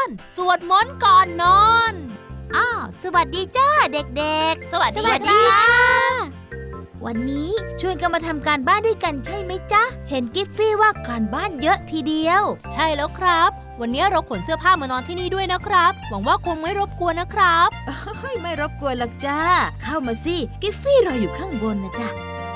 สวดมนต์ก่อนนอนสวัสดีจ้าเด็กๆสวัสดีค่ะวันนี้ชวนกันมาทำการบ้านด้วยกันใช่ไหมจ๊ะเห็นกิฟฟี่ว่าการบ้านเยอะทีเดียวใช่แล้วครับวันนี้เราขนเสื้อผ้ามานอนที่นี่ด้วยนะครับหวังว่าคงไม่รบกวนนะครับไม่รบกวนหรอกจ้าเข้ามาสิกิฟฟี่รออยู่ข้างบนนะจ๊ะ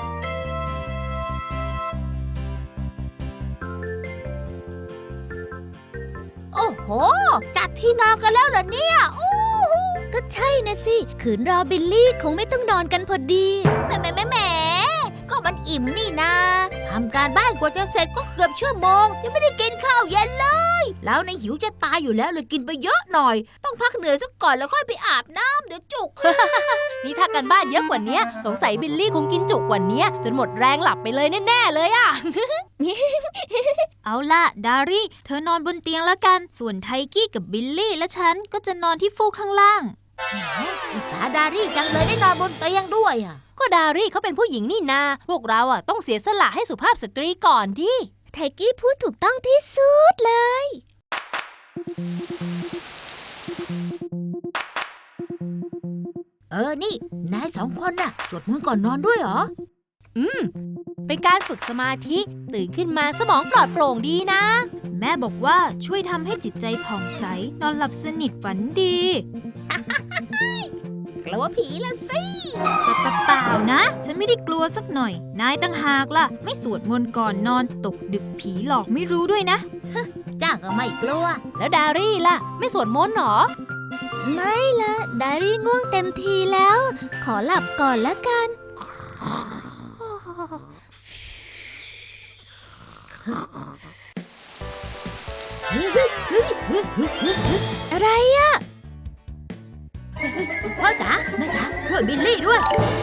โอ้โหจัดที่นอนกันแล้วเหรอเนี่ยก็ใช่นะสิขืนรอบิลลี่คงไม่ต้องนอนกันพอดีแหมก็มันอิ่มนี่นาทำการบ้านกว่าจะเสร็จก็เกือบชั่วโมงยังไม่ได้กินข้าวเย็นเลยแล้วในหิวจะตายอยู่แล้วเลยกินไปเยอะหน่อยต้องพักเหนื่อยสักก่อนแล้วค่อยไปอาบน้ำเดี๋ยวจุกนี่ถ้ากันบ้านเยอะกว่านี้สงสัยบิลลี่คงกินจุกกว่านี้จนหมดแรงหลับไปเลยแน่ๆเลยอะเอาล่ะดารี่เธอนอนบนเตียงแล้วกันส่วนไทกี้กับบิลลี่และฉันก็จะนอนที่ฟูกข้างล่างอิจฉาดารี่จังเลยได้นอนบนเตียงด้วยอ่ะก็ดารี่เขาเป็นผู้หญิงนี่นาพวกเราต้องเสียสละให้สุภาพสตรีก่อนดิไทกี้พูดถูกต้องที่สุดเลยนี่นาย2 คนน่ะสวดมนต์ก่อนนอนด้วยเหรอเป็นการฝึกสมาธิตื่นขึ้นมาสมองปลอดโปร่งดีนะแม่บอกว่าช่วยทำให้จิตใจผ่องใสนอนหลับสนิทฝันดีกลัวผีละสิเปล่านะฉันไม่ได้กลัวสักหน่อยนายตั้งหากล่ะไม่สวดมนต์ก่อนนอนตกดึกผีหลอกไม่รู้ด้วยนะจ้าก็ไม่กลัวแล้วดารี่ล่ะไม่สวดมนต์หรอไม่ละดารี่ง่วงเต็มทีแล้วขอหลับก่อนละกันอะไรอ่ะพ่อจ๋าแม่จ๋าช่วยบิลลี่ด้วย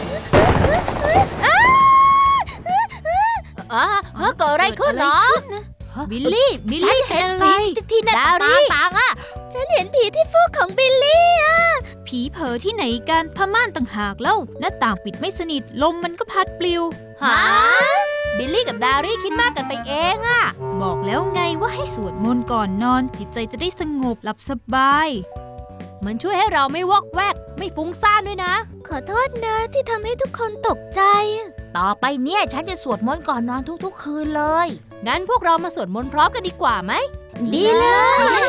เกิดอะไรขึ้นเหรอบิลลี่เป็นอะไรที่หน้าต่างอ่ะฉันเห็นผีที่ฟูกของบิลลี่อ่ะผีเผลอที่ไหนกันผ้าม่านต่างหากเล่าหน้าต่างปิดไม่สนิทลมมันก็พัดปลิวบิลลี่กับดารี่คิดมากกันไปเองอะบอกแล้วไงว่าให้สวดมนต์ก่อนนอนจิตใจจะได้สงบหลับสบายมันช่วยให้เราไม่วอกแวกไม่ฟุ้งซ่านด้วยนะขอโทษนะที่ทำให้ทุกคนตกใจต่อไปเนี่ยฉันจะสวดมนต์ก่อนนอนทุกๆคืนเลยงั้นพวกเรามาสวดมนต์พร้อมกันดีกว่าไหมดีเลย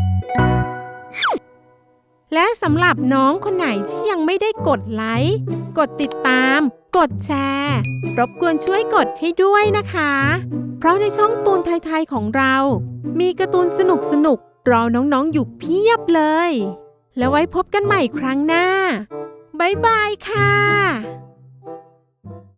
และสำหรับน้องคนไหนที่ยังไม่ได้กดไลค์กดติดตาม กดแชร์ รบกวนช่วยกดให้ด้วยนะคะ เพราะในช่องตูนไทยๆของเรา มีการ์ตูนสนุกๆรอน้องๆอยู่เพียบเลย แล้วไว้พบกันใหม่ครั้งหน้า บ๊ายบายค่ะ